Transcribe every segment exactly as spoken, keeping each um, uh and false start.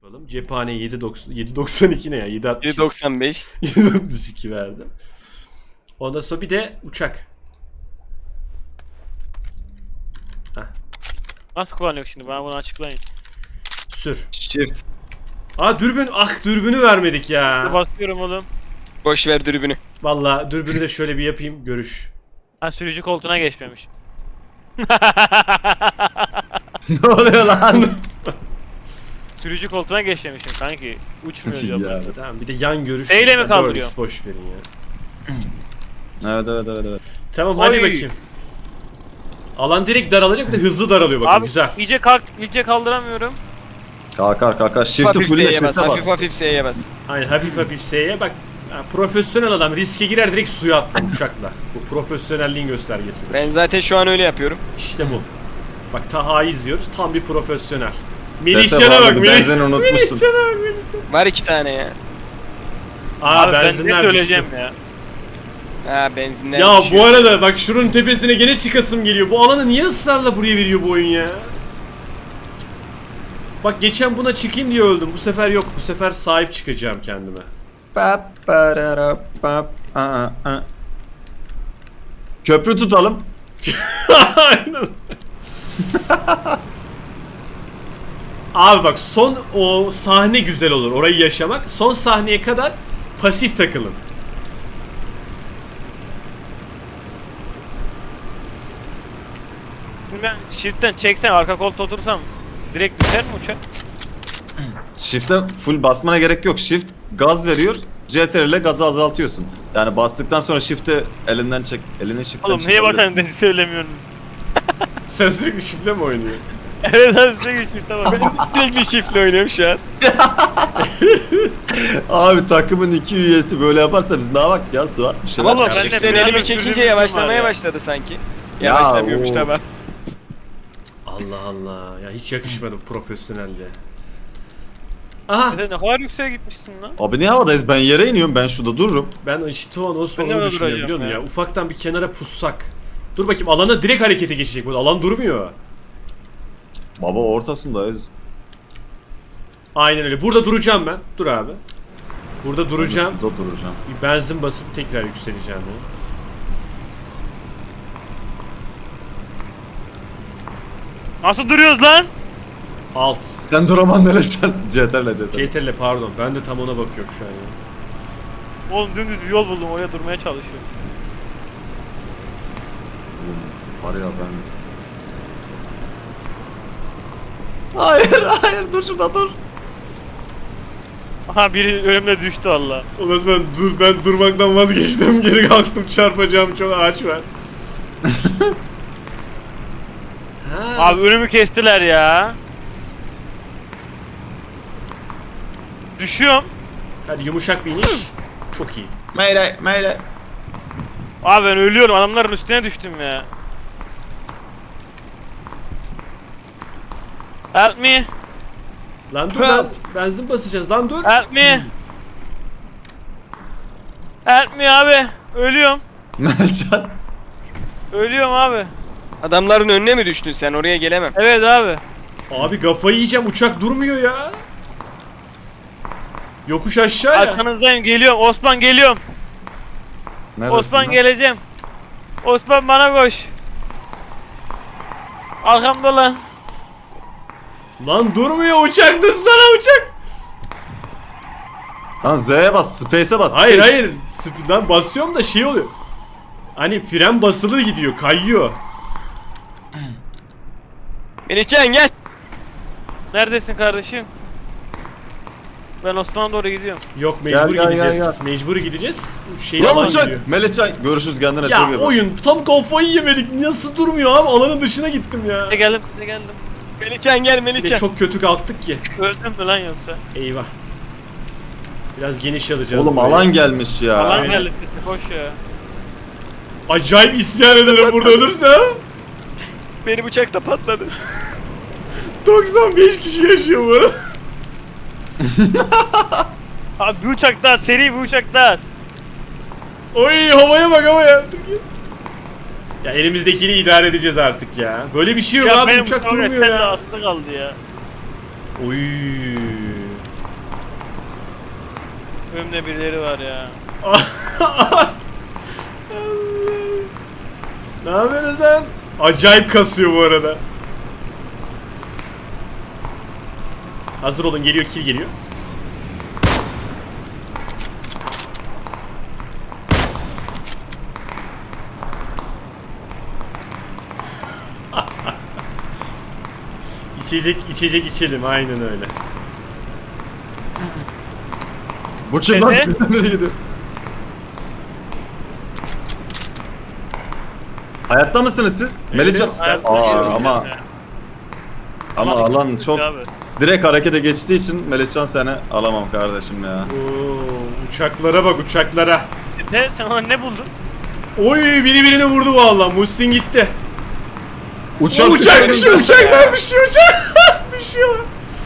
Yapalım. Cephane yedi doksan iki ne ya? yedi altmış yedi doksan beş. yedi altmış iki verdim. Ondan sonra bir de uçak. Heh. Nasıl kullanıyor şimdi? Bana bunu açıklayın. Sür. Shift. Aa dürbün. Ah dürbünü vermedik ya. Basıyorum oğlum. Boş ver dürbünü. Vallahi dürbünü de şöyle bir yapayım. Görüş. Ha, sürücü koltuğuna geçmemiş. Ne oluyor lan? Sürücü koltuğuna geçmemişim kanki. Uçmuyor Ya. diyor. Tamam bir de yan görüş. Neyle mi dört kaldırıyor? X boş verin ya. Evet evet evet evet. Tamam hadi Oy. bakayım. Alan direkt daralacak, bir de hızlı daralıyor bakın. Abi Güzel. iyice kalk, iyice kaldıramıyorum. Kalkar kalkar. Shift'i Hafif fulle S'ye bas. shift'e Hafif bas. hafif S'ye bas. Aynen hafif hafif S'ye bak. Ha, profesyonel adam riske girer direkt suya atlar uçakla. Bu profesyonelliğin göstergesi. Ben zaten şu an öyle yapıyorum. İşte bu. Bak Taha'yı izliyoruz. Tam bir profesyonel. Tete Melihcan'a vardı, bak. Melih... benzini unutmuşsun. Melihcan'a bak. Melihcan. Var iki tane ya. Aa Abi ben ne benzinler söyleyeceğim düştü. ya. Ha benzinler Ya düşüyor. bu arada bak şunun tepesine gene çıkasım geliyor. Bu alanı niye ısrarla buraya veriyor bu oyun ya? Bak geçen buna çıkayım diye öldüm. Bu sefer yok. Bu sefer sahip çıkacağım kendime. Pap, parara, pap, aa, aa. Köprü tutalım. Aynen. Abi bak son o sahne güzel olur. Orayı yaşamak. Son sahneye kadar pasif takılın. Şimdi ben shift'ten çeksen arka koltuğa otursam direkt düşer mi uçak? Shift'e full basmana gerek yok. Shift gaz veriyor. C T R ile gazı azaltıyorsun. Yani bastıktan sonra shift'i elinden çek. Elini shift'ten Oğlum niye bakan dedi söylemiyorsunuz? Sen sürekli şifre mi oynuyorsun? Evet abi sürekli shift'e bak. Sürekli shift'le oynuyorum şu an. Abi takımın iki üyesi böyle yaparsa biz ne yapak ya Suat? Bir şeyler Vallahi yap. ben de Shift'ten biraz elimi da çekince sürdüğüm yavaşlamaya var ya. başladı sanki. Ya, Yavaşlamıyormuş o- tamam. Allah Allah. Ya hiç yakışmadı bu profesyonelliğe. Aha. Sen ne kadar yükseğe gitmişsin lan. Abi niye havadayız? Ben yere iniyorum. Ben şurada dururum. Ben işte o Ben Osman'ı de düşünüyorum duracağım biliyor musun ya. ya? Ufaktan bir kenara pussak. Dur bakayım alana direkt harekete geçecek bu. Alan durmuyor. Baba ortasındayız. Aynen öyle. Burada duracağım ben. Dur abi. Burada duracağım. Ben de şurada duracağım. Bir benzin basıp tekrar yükseleceğim ya. Nasıl duruyoruz lan? Alt. Sen duraman Melecan. C T R ile C T R. C T R L pardon. Ben de tam ona bakıyorum şu an ya. Oğlum dümdüz bir yol buldum oraya durmaya çalışıyorum. Var ya ben... Hayır hayır dur şurada dur. Aha biri önümde düştü valla. Ondan sonra ben, dur, ben durmaktan vazgeçtim. Geri kalktım çarpacağım çok ağaç var. Ha. Abi önümü kestiler ya. Düşüyorum. Hadi yumuşak bir iniş. Çok iyi. Meyle meyle. Abi ben ölüyorum adamların üstüne düştüm ya. Help me. Lan dur lan. Benzin basacağız lan dur. Help me. Help me abi. Ölüyorum. Melecan. Ölüyorum abi. Adamların önüne mi düştün sen? Oraya gelemem. Evet abi. Abi kafayı yiyeceğim uçak durmuyor ya. Yokuş aşağı ya. Arkanızdayım geliyorum. Osman geliyorum. Neredesin Osman lan? geleceğim. Osman bana koş. Arkamda lan. Lan durmuyor uçak dursana uçak. Lan Z'ye bas, Space'e bas. Hayır Space. hayır. Sp- Lan basıyorum da şey oluyor. Hani fren basılı gidiyor kayıyor. Melihcan gel. Neredesin kardeşim? Ben Osman'a doğru gidiyorum. Yok Gel, mecbur gel, gideceğiz. gel, gel. Mecbur gideceğiz. Şey Lan alan uçak. gidiyor. Melihcan görüşürüz kendine Ya çok iyi bak. oyun tam kafayı yemedik. Nasıl durmuyor abi? Alanın dışına gittim ya. Ne geldim ne geldim. Melihcan gel Bir de Melihcan. çok kötü kalktık ki. Öldüm mü lan yoksa? Eyvah. Biraz geniş alacağız. Oğlum burayı. alan gelmiş ya. Alan aynen. geldi koş ya. Acayip isyan ederim burada ölürse. Benim uçak da patladı. doksan beş kişi yaşıyor bu arada. Abi bir uçak daha seri bir uçak daha. Oy havaya bak havaya. Ya elimizdekini idare edeceğiz artık ya. Böyle bir şey yok Ya abi benim uçak uçak durmuyor ya. aslı kaldı ya. Oy. Önümde birileri var ya. Ne yapıyorsunuz lan? Acayip kasıyor bu arada. Hazır olun, geliyor, kill geliyor. İçecek içecek içelim, aynen öyle. Bu kim lan? Dede? Nereye gidiyor? Hayatta mısınız siz? Melihcan. evet. Aa, ama ama alan çok Abi. direkt harekete geçtiği için Melihcan seni alamam kardeşim ya. Oo, uçaklara bak, uçaklara. De sen ona ne buldun? Oy, biri birini vurdu vallahi. Muhsin gitti. Uçak, O uçak düşüyor. düşüyor, uçaklar düşüyor, uçak düşüyor.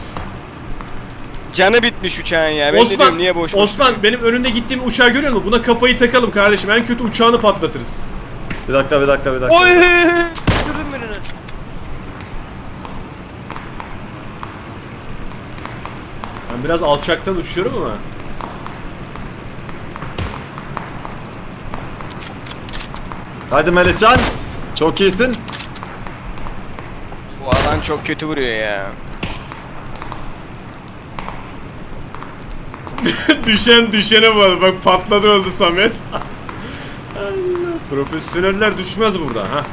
Canı bitmiş uçağın ya. Ben de Osman, diyorum niye boş boş Osman benim önünde gittiğim uçağı görüyor musun? Buna kafayı takalım kardeşim. En kötü uçağını patlatırız. Bir dakika bir dakika bir dakika. Oy! Düşürdün birini. Ben biraz alçaktan uçuyorum ama. Hadi Melihcan. Çok iyisin. Bu alan çok kötü vuruyor ya. Düşen düşene var. Bak patladı, öldü Samet. Allah. Profesyoneller düşmez burada ha.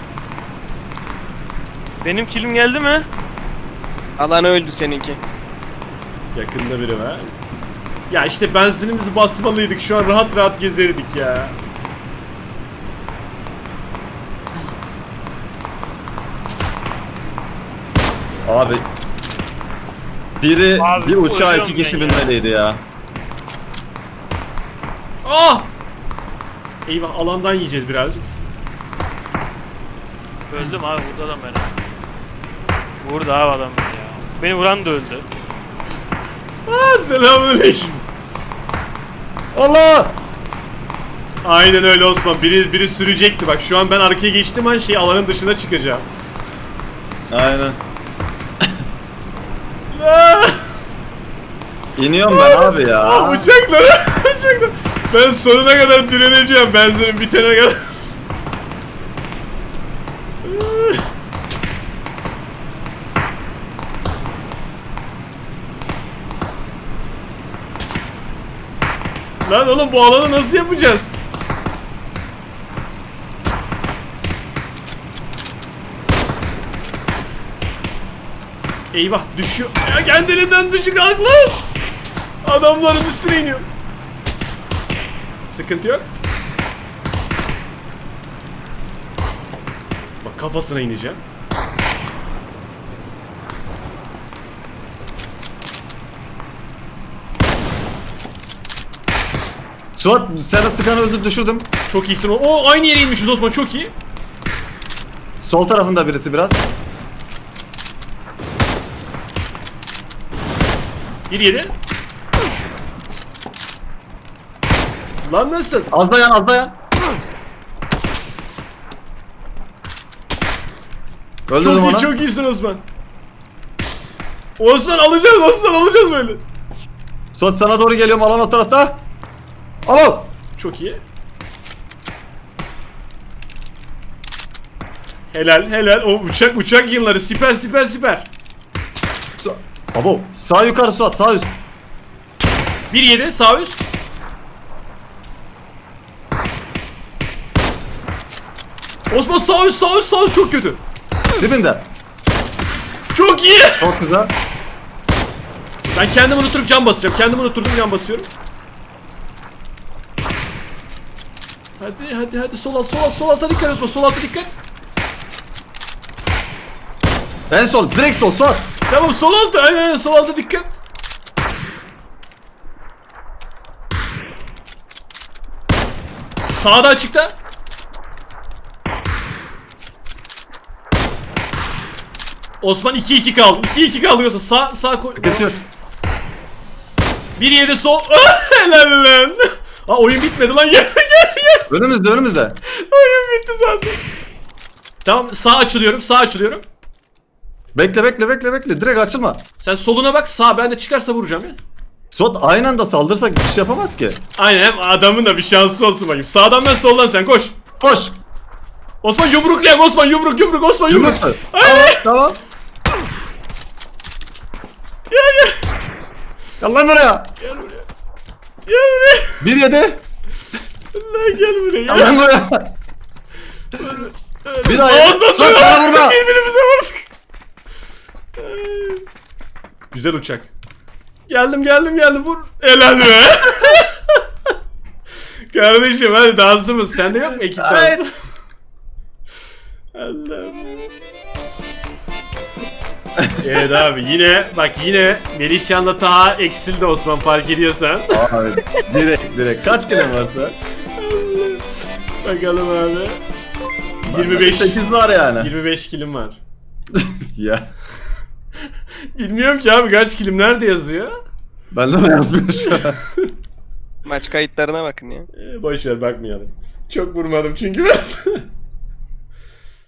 Benim kilim geldi mi? Alan öldü seninki. Yakında biri var. Ya işte benzinimizi basmalıydık. Şu an rahat rahat gezerdik ya. Abi. Biri Abi, bir uçağa ölüyorum iki kişi ben ya. binmeliydi ya. Ah! Eyvah, alandan yiyeceğiz birazcık. Öldüm abi, vurdu adam beni. Vurdu abi adam beni ya. Beni vuran da öldü. Ah, selamünaleyküm. Allah! Aynen öyle Osman. Biri biri sürecekti. Bak şu an ben arkaya geçtim an şey alanın dışına çıkacağım. Aynen. Ah! İniyorum ben abi ya. Ah, uçaklara, uçaklara. Ben sonuna kadar direneceğim, benzinim bitene kadar. Lan oğlum, bu alanı nasıl yapacağız? Eyvah, düşüyor. Ya kendiliğinden düşük kalk lan. Adamların üstüne iniyor. Sıkıntı yok. Bak kafasına ineceğim. Suat sana sıkan öldü, düşürdüm. Çok iyisin. O aynı yere inmişiz Osman, çok iyi. Sol tarafında birisi biraz. Bir yedi. Lan nasıl? Az dayan az dayan. Öldürdüm Çok iyi, onu. çok iyisin Osman. Osman alacağız, Osman alacağız böyle. Suat sana doğru geliyorum, alan o tarafta. Al. Çok iyi. Helal, helal. O uçak uçak yılları, siper siper siper. Su Abo sağ yukarı Suat, sağ üst. Bir yedi, sağ üst. Osman sağ üst, sağ üst, sağ üst çok kötü. Dibinde. Çok iyi. Çok güzel. Ben kendimi unutturup can basacağım. Kendimi unutturdum, can basıyorum. Hadi hadi hadi, sol alt sol alt sol alta dikkat Osman, sol alta dikkat. En sol, direkt sol Suat. Tamam, sol alta, aynen aynen, sol alta dikkat. Sağda açıkta. Osman iki iki kaldı. iki iki kaldı Osman. Sağ sağ koy. Sıkıntı yok. bir yedi sol. Helal lan. Aa, oyun bitmedi lan. Gel gel gel. Önümüzde önümüzde. Oyun bitti zaten. Tamam, sağ açılıyorum. Sağ açılıyorum. Bekle bekle bekle bekle, direkt açılma. Sen soluna bak. Sağ, ben de çıkarsa vuracağım ya. Suat aynı anda saldırsak bir şey yapamaz ki. Aynen, hem adamın da bir şansı olsun bakayım. Sağdan ben, soldan sen, koş. Koş. Osman yumruklayak, Osman yumruk yumruk, Osman yumruk. Yumruk mu? Tamam tamam. Gel gel. Gel lan buraya. Gel buraya. Gel buraya. Bir yedi. Lan gel buraya. Gel lan buraya. Bir daha Osman yedi. sana Suat bana vurma. birbirimize vurduk. Güzel uçak. Geldim geldim geldim, vur. Helal be. Kardeşim hadi dansımız. Sende yok mu ekip Evet. dansı? Allah'ım. Evet abi, yine bak yine Melihcan'la Taha eksildi Osman, fark ediyorsan. Abi direkt direkt. Kaç kilim varsa? Bakalım abi. yirmi beş sekiz var yani. yirmi beş kilim var. Ya. Bilmiyorum ki abi, kaç kilim nerede yazıyor? Bende de yazmıyor şu an. Maç kayıtlarına bakın ya. Ee, boş ver, bakmayalım. Çok vurmadım çünkü ben.